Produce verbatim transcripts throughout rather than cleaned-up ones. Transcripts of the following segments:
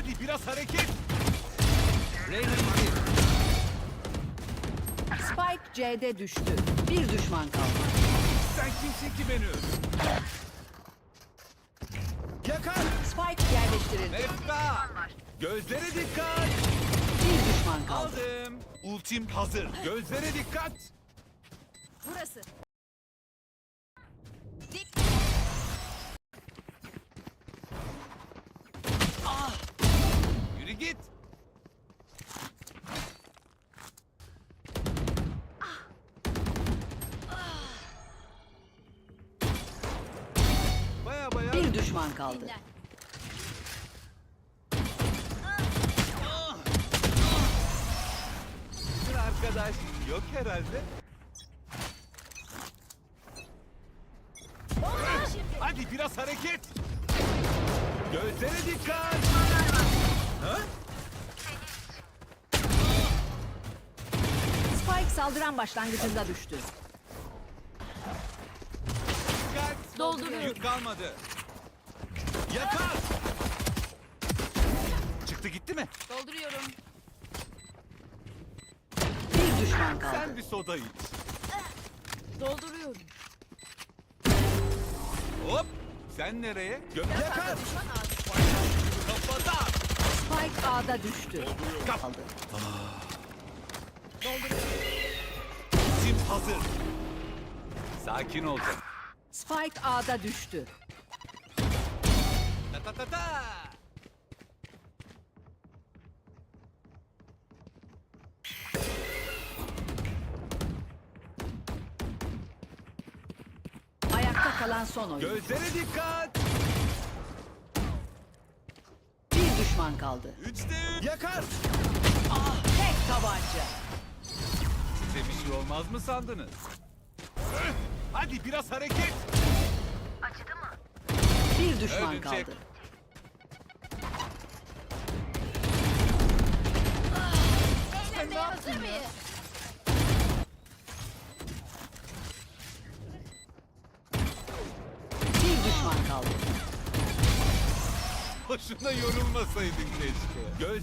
Hadi biraz hareket. Spike C'de düştü. Bir düşman kaldı. Sen kimsin ki beni öldür? Yakar. Spike yerleştirildi. Mefta. Gözlere dikkat. Bir düşman kaldı. Aldım. Ultim hazır. Gözlere dikkat. Burası. Yürü git. Baya baya. Bir düşman kaldı. Bir arkadaş yok herhalde. Hadi biraz hareket. Gözlere dikkat. Ha? Spike saldıran başlangıcında düştü. Dikkat. Dolduruyorum. Yük kalmadı. Yakar. Çıktı gitti mi? Dolduruyorum. Bir düşman kaldı. Sen bir soda iç. Dolduruyorum. Hop. Sen nereye? Gö yakar. Kafada. Spike A'da düştü. Kap. Kaldı. Tim hazır. Sakin ol canım. Spike A'da düştü. Ta ta ta ta. Ayakta kalan son oyun. Gözlere dikkat. Bir düşman kaldı. Üçte üç. Yakar. Tek tabanca. Size bir şey olmaz mı sandınız? Öh! Hadi biraz hareket. Bir düşman Öldün, kaldı. çek. Eğlenmeye hazır mıyız? Bir düşman kaldı. Boşuna yorulmasaydın keşke. Göz...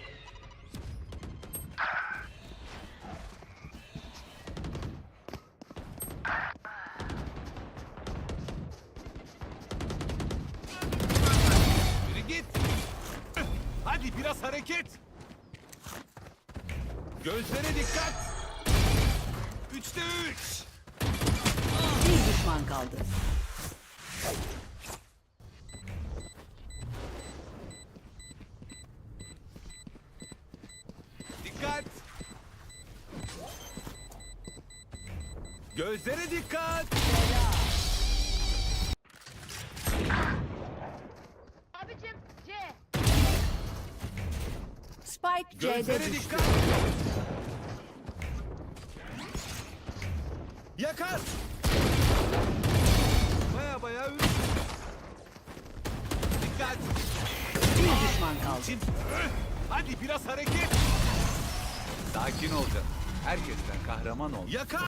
Yürü git. Hadi biraz hareket. Gözlere dikkat. Üçte üç. Bir düşman kaldı. Dikkat. Gözlere dikkat. Abicim C. Spike C'de Gözlere düştü. dikkat. Yakar. Baya baya ürün. Dikkat. Bir düşman kaldı. Tim. Öh! Hadi biraz hareket. Sakin ol canım. Herkesten kahraman ol. Yakar.